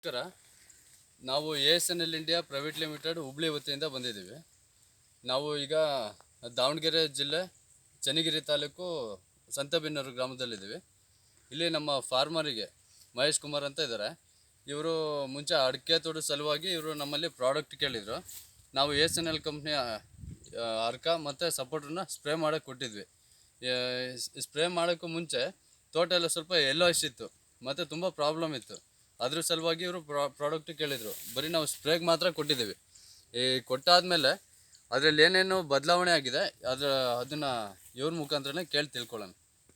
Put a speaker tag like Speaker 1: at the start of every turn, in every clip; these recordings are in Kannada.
Speaker 1: ನಮಸ್ಕಾರ. ನಾವು ASNL India private limited Hubli ವತಿಯಿಂದ ಬಂದಿದ್ದೀವಿ. ನಾವು ಈಗ ದಾವಣಗೆರೆ ಜಿಲ್ಲೆ ಚನ್ನಗಿರಿ ತಾಲೂಕು ಸಂತೆಬೆನ್ನೂರು ಗ್ರಾಮದಲ್ಲಿದ್ದೀವಿ. ಇಲ್ಲಿ ನಮ್ಮ ಫಾರ್ಮರಿಗೆ ಮಹೇಶ್ ಕುಮಾರ್ ಅಂತ ಇದ್ದಾರೆ. ಇವರು ಮುಂಚೆ ಅಡಿಕೆ ತೋಟದ ಸಲುವಾಗಿ ಇವರು ನಮ್ಮಲ್ಲಿ ಪ್ರಾಡಕ್ಟ್ ಕೇಳಿದರು. ನಾವು ASNL ಕಂಪ್ನಿಯ ಅರ್ಕ ಮತ್ತು ಸಪೋರ್ಟನ್ನ ಸ್ಪ್ರೇ ಮಾಡೋಕ್ಕೆ ಕೊಟ್ಟಿದ್ವಿ. ಸ್ಪ್ರೇ ಮಾಡೋಕ್ಕೂ ಮುಂಚೆ ತೋಟ ಎಲ್ಲ ಸ್ವಲ್ಪ ಯೆಲ್ಲೋಯಿಶ್ ಇತ್ತು ಮತ್ತು ತುಂಬ ಪ್ರಾಬ್ಲಮ್ ಇತ್ತು. ಅದ್ರ ಸಲುವಾಗಿ ಇವರು ಪ್ರಾಡಕ್ಟ್ ಕೇಳಿದರು. ಬರೀ ನಾವು ಸ್ಪ್ರೇಗೆ ಮಾತ್ರ ಕೊಟ್ಟಿದ್ದೀವಿ. ಈ ಕೊಟ್ಟಾದಮೇಲೆ ಅದರಲ್ಲಿ ಏನೇನು ಬದಲಾವಣೆ ಆಗಿದೆ ಅದನ್ನು ಇವ್ರ ಮುಖಾಂತರನೇ ಕೇಳಿ ತಿಳ್ಕೊಳ್ಳೋಣ.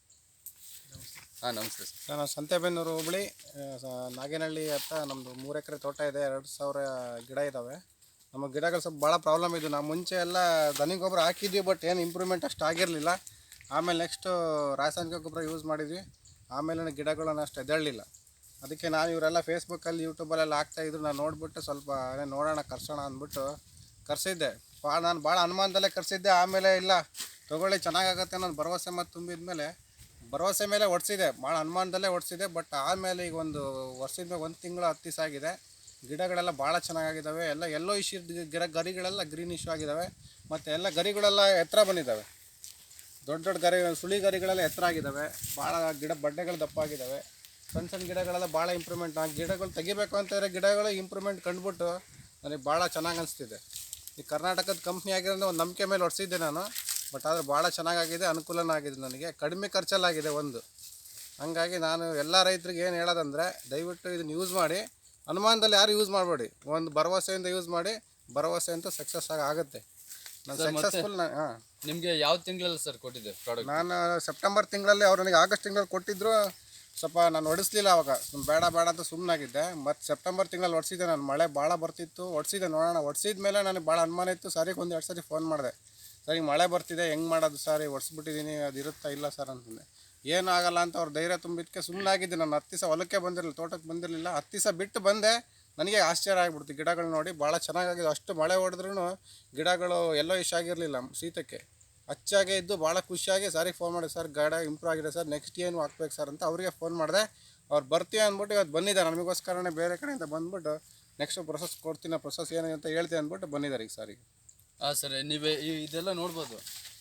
Speaker 1: ನಮಸ್ತೆ
Speaker 2: ಸರ್. ನಾನು ಸಂತೆಬೆನ್ನೂರು ಹುಬ್ಳಿ ನಾಗೇನಹಳ್ಳಿ ಹತ್ರ ನಮ್ಮದು 3 ಎಕರೆ ತೋಟ ಇದೆ. 2000 ಗಿಡ ಇದ್ದಾವೆ. ನಮ್ಮ ಗಿಡಗಳು ಸ್ವಲ್ಪ ಭಾಳ ಪ್ರಾಬ್ಲಮ್ ಇದ್ದು. ನಾವು ಮುಂಚೆ ಎಲ್ಲ ದನಿ ಗೊಬ್ಬರ ಹಾಕಿದ್ವಿ, ಬಟ್ ಏನು ಇಂಪ್ರೂವ್ಮೆಂಟ್ ಅಷ್ಟು ಆಗಿರಲಿಲ್ಲ. ಆಮೇಲೆ ನೆಕ್ಸ್ಟು ರಾಸಾಯನಿಕ ಗೊಬ್ಬರ ಯೂಸ್ ಮಾಡಿದ್ವಿ. ಆಮೇಲೆ ಗಿಡಗಳನ್ನು ಅಷ್ಟು ಎದ್ದೇಳಲಿಲ್ಲ. ಅದಕ್ಕೆ ನಾನು ಇವರೆಲ್ಲ ಫೇಸ್ಬುಕ್ಕಲ್ಲಿ ಯೂಟ್ಯೂಬಲ್ಲೆಲ್ಲ ಹಾಕ್ತಾಯಿದ್ರು. ನಾನು ನೋಡಿಬಿಟ್ಟು ಸ್ವಲ್ಪ ನೋಡೋಣ ಕರ್ಸೋಣ ಅಂದ್ಬಿಟ್ಟು ಕರ್ಸಿದ್ದೆ. ನಾನು ಭಾಳ ಅನುಮಾನದಲ್ಲೇ ಕರ್ಸಿದ್ದೆ. ಆಮೇಲೆ ಇಲ್ಲ ತೊಗೊಳ್ಳಿ ಚೆನ್ನಾಗಾಗತ್ತೆ ಅನ್ನೋದು ಭರವಸೆ ಮತ್ತು ತುಂಬಿದ ಮೇಲೆ ಭರವಸೆ ಮೇಲೆ ಓಡಿಸಿದೆ. ಭಾಳ ಅನುಮಾನದಲ್ಲೇ ಓಡಿಸಿದೆ. ಬಟ್ ಆಮೇಲೆ ಈಗ ಒಂದು ವರ್ಷದ ಮೇಲೆ 1 ತಿಂಗಳು 10 ದಿವಸ ಆಗಿದೆ. ಗಿಡಗಳೆಲ್ಲ ಭಾಳ ಚೆನ್ನಾಗಿದ್ದಾವೆ. ಎಲ್ಲೋ ಇಶ್ಯೂ ಗರಿಗಳೆಲ್ಲ ಗ್ರೀನ್ ಇಶ್ಯೂ ಆಗಿದ್ದಾವೆ. ಮತ್ತು ಎಲ್ಲ ಗರಿಗಳೆಲ್ಲ ಎತ್ತರ ಬಂದಿದ್ದಾವೆ. ದೊಡ್ಡ ದೊಡ್ಡ ಗರಿ ಸುಳಿ ಗರಿಗಳೆಲ್ಲ ಎತ್ತರ ಆಗಿದ್ದಾವೆ. ಭಾಳ ಬಡ್ಡೆಗಳು ದಪ್ಪ ಆಗಿದ್ದಾವೆ. ಸಣ್ಣ ಗಿಡಗಳೆಲ್ಲ ಭಾಳ ಇಂಪ್ರೂವ್ಮೆಂಟ್. ಗಿಡಗಳು ತೆಗಿಬೇಕು ಅಂತಂದರೆ ಗಿಡಗಳು ಇಂಪ್ರೂವ್ಮೆಂಟ್ ಕಂಡುಬಿಟ್ಟು ನನಗೆ ಭಾಳ ಚೆನ್ನಾಗಿ ಅನಿಸ್ತಿದೆ. ಈ ಕರ್ನಾಟಕದ ಕಂಪ್ನಿ ಆಗಿರೋದ್ರೆ ಒಂದು ನಂಬಿಕೆ ಮೇಲೆ ಹೊಡ್ಸಿದ್ದೆ ನಾನು. ಬಟ್ ಆದರೆ ಭಾಳ ಚೆನ್ನಾಗಾಗಿದೆ, ಅನುಕೂಲನೂ ಆಗಿದೆ. ನನಗೆ ಕಡಿಮೆ ಖರ್ಚಲ್ಲಾಗಿದೆ ಒಂದು. ಹಾಗಾಗಿ ನಾನು ಎಲ್ಲ ರೈತರಿಗೆ ಏನು ಹೇಳೋದಂದರೆ, ದಯವಿಟ್ಟು ಇದನ್ನು ಯೂಸ್ ಮಾಡಿ. ಅನುಮಾನದಲ್ಲಿ ಯಾರು ಯೂಸ್ ಮಾಡಬೇಡಿ. ಒಂದು ಭರವಸೆಯಿಂದ ಯೂಸ್ ಮಾಡಿ. ಭರವಸೆ ಅಂತ ಸಕ್ಸಸ್ ಆಗುತ್ತೆ. ನಾನು ಸಕ್ಸಸ್ಫುಲ್.
Speaker 1: ನಿಮಗೆ ಯಾವ ತಿಂಗಳಲ್ಲಿ ಸರ್ ಕೊಟ್ಟಿದ್ದೆ ಪ್ರಾಡಕ್ಟ್?
Speaker 2: ನಾನು ಸೆಪ್ಟೆಂಬರ್ ತಿಂಗಳಲ್ಲಿ, ಅವ್ರು ನನಗೆ ಆಗಸ್ಟ್ ತಿಂಗಳಲ್ಲಿ ಕೊಟ್ಟಿದ್ದರು. ಸ್ವಲ್ಪ ನಾನು ಹೊಡಿಸ್ಲಿಲ್ಲ ಅವಾಗ, ಬೇಡ ಅಂತ ಸುಮ್ಮನಾಗಿದ್ದೆ. ಮತ್ತು ಸೆಪ್ಟೆಂಬರ್ ತಿಂಗಳಲ್ಲಿ ಹೊಡ್ಸಿದ್ದೆ ನಾನು. ಮಳೆ ಭಾಳ ಬರ್ತಿತ್ತು, ಹೊಡ್ಸಿದ್ದೆ. ನೋಡೋಣ, ಹೊಡ್ಸಿದ ಮೇಲೆ ನನಗೆ ಭಾಳ ಅನುಮಾನ ಇತ್ತು. ಸಾರಿಗೆ 1-2 ಸರಿ ಫೋನ್ ಮಾಡಿದೆ. ಸರಿ ಮಳೆ ಬರ್ತಿದೆ, ಹೆಂಗೆ ಮಾಡೋದು ಸರ್, ಹೊಡ್ಸ್ಬಿಟ್ಟಿದ್ದೀನಿ, ಅದು ಇರುತ್ತಾ ಇಲ್ಲ ಸರ್ ಅಂತಂದೆ. ಏನೂ ಆಗೋಲ್ಲ ಅಂತ ಅವ್ರು ಧೈರ್ಯ ತುಂಬಿದ್ದಕ್ಕೆ ಸುಮ್ಮನಾಗಿದ್ದೆ. ನಾನು 10 ದಿವಸ ಹೊಲಕ್ಕೆ ಬಂದಿರಲಿಲ್ಲ, ತೋಟಕ್ಕೆ ಬಂದಿರಲಿಲ್ಲ. 10 ದಿವಸ ಬಿಟ್ಟು ಬಂದೆ. ನನಗೆ ಆಶ್ಚರ್ಯ ಆಗಿಬಿಡ್ತು. ಗಿಡಗಳು ನೋಡಿ ಭಾಳ ಚೆನ್ನಾಗಿದೆ. ಅಷ್ಟು ಮಳೆ ಹೊಡೆದ್ರೂ ಗಿಡಗಳು ಎಲ್ಲೋ ಇಶ್ ಆಗಿರಲಿಲ್ಲ. ಶೀತಕ್ಕೆ ಹಚ್ಚಾಗೆ ಇದ್ದು ಭಾಳ ಖುಷಿಯಾಗಿ ಸಾರಿಗೆ ಫೋನ್ ಮಾಡಿದೆ. ಸರ್ ಗಾಡಿ ಇಂಪ್ರೂವ್ ಆಗಿದೆ ಸರ್, ನೆಕ್ಸ್ಟ್ ಏನು ಹಾಕ್ಬೇಕು ಸರ್ ಅಂತ ಅವರಿಗೆ ಫೋನ್ ಮಾಡಿದೆ. ಅವ್ರು ಬರ್ತೀವಿ ಅಂದ್ಬಿಟ್ಟು ಇವತ್ತು ಬಂದಿದ್ದಾರೆ. ನಮಗೋಸ್ಕರನೇ ಬೇರೆ ಕಡೆಯಿಂದ ಬಂದ್ಬಿಟ್ಟು ನೆಕ್ಸ್ಟ್ ಪ್ರೊಸೆಸ್ ಕೊಡ್ತೀನಿ, ಪ್ರೊಸೆಸ್ ಏನಿದೆ ಅಂತ ಹೇಳ್ತೀನಿ ಅಂದ್ಬಿಟ್ಟು ಬಂದಿದ್ದಾರೆ ಈಗ ಸಾರಿಗೆ.
Speaker 1: ಸರ್, ನೀವೇ ಇದೆಲ್ಲ ನೋಡ್ಬೋದು.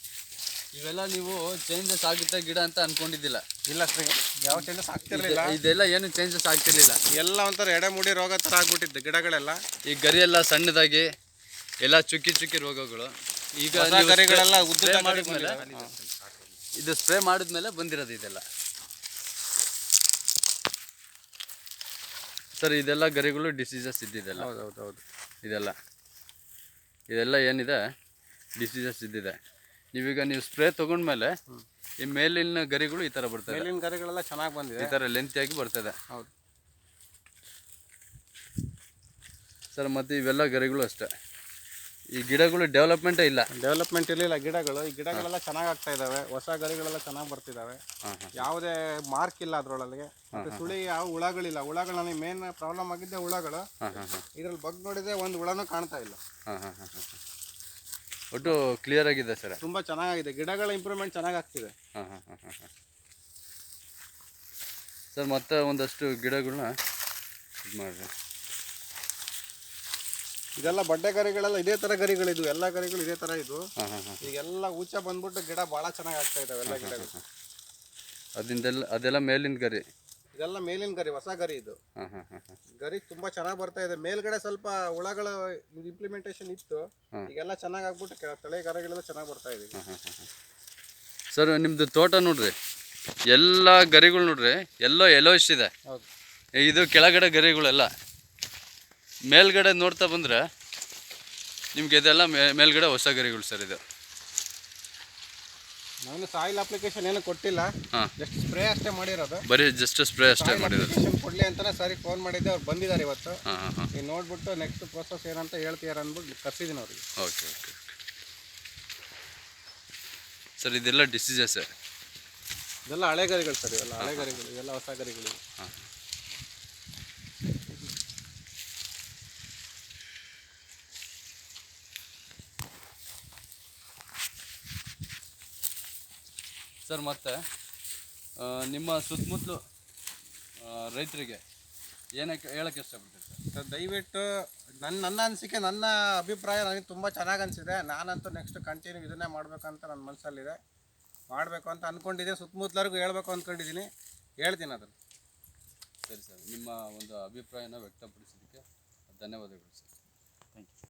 Speaker 1: ಇವೆಲ್ಲ ನೀವು ಚೇಂಜಸ್ ಆಗುತ್ತೆ ಗಿಡ ಅಂತ ಅನ್ಕೊಂಡಿದ್ದಿಲ್ಲ?
Speaker 2: ಇಲ್ಲ ಸರ್, ಯಾವ ಚೇಂಜಸ್ ಆಗ್ತಿರ್ಲಿಲ್ಲ.
Speaker 1: ಇದೆಲ್ಲ ಏನು ಚೇಂಜಸ್ ಆಗ್ತಿರ್ಲಿಲ್ಲ.
Speaker 2: ಎಲ್ಲ ಒಂಥರ ಎಡೆಮುಡಿ ರೋಗ ಥರ ಆಗ್ಬಿಟ್ಟಿದ್ದು ಗಿಡಗಳೆಲ್ಲ. ಈ
Speaker 1: ಗರಿ ಎಲ್ಲ ಸಣ್ಣದಾಗಿ ಎಲ್ಲ ಚುಕ್ಕಿ ರೋಗಗಳು. ಈಗ
Speaker 2: ಗರಿಗಳೆಲ್ಲ
Speaker 1: ಮಾಡಿದ್ಮೇಲೆ ಇದು ಸ್ಪ್ರೇ ಮಾಡಿದ್ಮೇಲೆ ಬಂದಿರೋದು ಇದೆಲ್ಲ. ಸರ್, ಇದೆಲ್ಲ ಗರಿಗಳು ಡಿಸೀಸಸ್ ಇದ್ದಿದ್ದೆಲ್ಲ.
Speaker 2: ಹೌದು.
Speaker 1: ಇದೆಲ್ಲ ಏನಿದೆ ಡಿಸೀಸಸ್ ಇದ್ದಿದೆ. ನೀವು ಸ್ಪ್ರೇ ತೊಗೊಂಡ್ಮೇಲೆ ಈ ಮೇಲಿನ ಗರಿಗಳು ಈ ಥರ ಬರ್ತದೆ.
Speaker 2: ಮೇಲಿನ ಗರಿಗಳೆಲ್ಲ ಚೆನ್ನಾಗಿ ಬಂದಿದೆ.
Speaker 1: ಈ ಥರ ಲೆಂತಿಯಾಗಿ ಬರ್ತದೆ.
Speaker 2: ಹೌದು
Speaker 1: ಸರ್, ಮತ್ತು ಇವೆಲ್ಲ ಗರಿಗಳು ಅಷ್ಟೇ. ಈ ಗಿಡಗಳು ಡೆವಲಪ್ಮೆಂಟ್
Speaker 2: ಇರಲಿಲ್ಲ ಗಿಡಗಳು. ಈ ಗಿಡಗಳೆಲ್ಲ ಚೆನ್ನಾಗಿ ಆಗ್ತಾ ಇದ್ದಾವೆ. ಹೊಸ ಗರಿಗಳೆಲ್ಲ ಚೆನ್ನಾಗಿ ಬರ್ತಿದ್ದಾವೆ. ಯಾವುದೇ ಮಾರ್ಕ್ ಇಲ್ಲ ಅದರೊಳಗೆ. ಮತ್ತು ಸುಳಿ ಯಾವ ಹುಳಗಳಿಲ್ಲ. ಹುಳಗಳು ನನಗೆ ಮೇನ್ ಪ್ರಾಬ್ಲಮ್ ಆಗಿದ್ದೆ ಹುಳಗಳು. ಇದ್ರಲ್ಲಿ ಬಗ್ಗೆ ನೋಡಿದರೆ ಒಂದು ಹುಳನೂ ಕಾಣ್ತಾ ಇಲ್ಲ.
Speaker 1: ಒಟ್ಟು ಕ್ಲಿಯರ್ ಆಗಿದೆ ಸರ್.
Speaker 2: ತುಂಬ ಚೆನ್ನಾಗಿದೆ. ಗಿಡಗಳ ಇಂಪ್ರೂವ್ಮೆಂಟ್ ಚೆನ್ನಾಗಿ ಆಗ್ತಿದೆ.
Speaker 1: ಸರ್, ಮತ್ತೆ ಒಂದಷ್ಟು ಗಿಡಗಳನ್ನ ಇದು ಮಾಡಿರಿ.
Speaker 2: ಇದೆಲ್ಲ ಬಡ್ಡೆ ಗರಿಗಳೆಲ್ಲ ಇದೇ ಥರ ಗರಿಗಳಿದ್ವು. ಎಲ್ಲ ಗರಿಗಳು ಇದೇ ಥರ ಇದ್ವು. ಈಗೆಲ್ಲ ಊಚ ಬಂದ್ಬಿಟ್ಟು ಗಿಡ ಭಾಳ ಚೆನ್ನಾಗಿ ಆಗ್ತಾ ಇದ್ದಾವೆ ಎಲ್ಲ ಗಿಡಗಳು.
Speaker 1: ಅದೆಲ್ಲ ಮೇಲಿನ ಗರಿ.
Speaker 2: ಇದೆಲ್ಲ ಮೇಲಿನ ಗರಿ, ಹೊಸ ಗರಿ ಇದು. ಗರಿ ತುಂಬ ಚೆನ್ನಾಗಿ ಬರ್ತಾ ಇದೆ. ಮೇಲ್ಗಡೆ ಸ್ವಲ್ಪ ಹುಳಗಳ ಇಂಪ್ಲಿಮೆಂಟೇಷನ್ ಇತ್ತು. ಈಗೆಲ್ಲ ಚೆನ್ನಾಗಿ ಆಗ್ಬಿಟ್ಟು ತಳೆ ಗರಿಗಳೆಲ್ಲ ಚೆನ್ನಾಗಿ ಬರ್ತಾ ಇದೆ.
Speaker 1: ಸರ್, ನಿಮ್ಮದು ತೋಟ ನೋಡ್ರಿ, ಎಲ್ಲ ಗರಿಗಳು ನೋಡ್ರಿ ಯೆಲ್ಲೋಯಿಶ್ ಇದೆ. ಇದು ಕೆಳಗಡೆ ಗರಿಗಳೆಲ್ಲ. ಮೇಲ್ಗಡೆ ನೋಡ್ತಾ ಬಂದರೆ ನಿಮ್ಗೆ ಇದೆಲ್ಲ ಮೇಲ್ಗಡೆ ಹೊಸ ಗರಿಗಳು ಸರ್. ಇದು
Speaker 2: ನಾನು ಸಾಯಿಲ್ ಅಪ್ಲಿಕೇಶನ್ ಏನು ಕೊಟ್ಟಿಲ್ಲ, ಜಸ್ಟ್ ಸ್ಪ್ರೇ ಅಷ್ಟೇ ಮಾಡಿರೋದು.
Speaker 1: ಬರೀ ಜಸ್ಟ್ ಸ್ಪ್ರೇ ಅಷ್ಟೇ ಮಾಡಿರೋದು.
Speaker 2: ಕೊಡಲಿ ಅಂತಲೇ ಸರಿ ಫೋನ್ ಮಾಡಿದ್ದೆ. ಅವ್ರು ಬಂದಿದ್ದಾರೆ ಇವತ್ತು. ನೀವು ನೋಡ್ಬಿಟ್ಟು ನೆಕ್ಸ್ಟ್ ಪ್ರೊಸೆಸ್ ಏನಂತ ಹೇಳ್ತೀರ ಅಂದ್ಬಿಟ್ಟು ಕರ್ಸಿದ್ದೀನಿ ಅವ್ರಿಗೆ.
Speaker 1: ಓಕೆ. ಸರ್, ಇದೆಲ್ಲ ಡಿಸೀಸಸ್.
Speaker 2: ಇದೆಲ್ಲ ಹಳೆ ಗರಿಗಳು ಸರ್. ಇವೆಲ್ಲ ಹಳೆ ಗರಿಗಳು, ಇವೆಲ್ಲ ಹೊಸ ಗರಿಗಳು.
Speaker 1: ಸರ್, ಮತ್ತು ನಿಮ್ಮ ಸುತ್ತಮುತ್ತಲು ರೈತರಿಗೆ ಏನಕ್ಕೆ ಹೇಳಕ್ಕೆ ಇಷ್ಟಪಡ್ತೀರಿ ಸರ್?
Speaker 2: ಸರ್ ದಯವಿಟ್ಟು ನನ್ನ ಅನಿಸಿಕೆ, ನನ್ನ ಅಭಿಪ್ರಾಯ ನನಗೆ ತುಂಬ ಚೆನ್ನಾಗಿ ಅನಿಸಿದೆ. ನಾನಂತೂ ನೆಕ್ಸ್ಟ್ ಕಂಟಿನ್ಯೂ ಇದನ್ನೇ ಮಾಡಬೇಕಂತ ನನ್ನ ಮನಸ್ಸಲ್ಲಿದೆ. ಮಾಡಬೇಕು ಅಂತ ಅಂದ್ಕೊಂಡಿದ್ದೀನಿ. ಸುತ್ತಮುತ್ತಲರಿಗೂ ಹೇಳ್ಬೇಕು ಅಂದ್ಕೊಂಡಿದ್ದೀನಿ. ಹೇಳ್ತೀನಿ ಅದನ್ನು.
Speaker 1: ಸರಿ ಸರ್, ನಿಮ್ಮ ಒಂದು ಅಭಿಪ್ರಾಯನ ವ್ಯಕ್ತಪಡಿಸಿದ್ದಕ್ಕೆ ಧನ್ಯವಾದಗಳು ಸರ್.
Speaker 3: Thank you.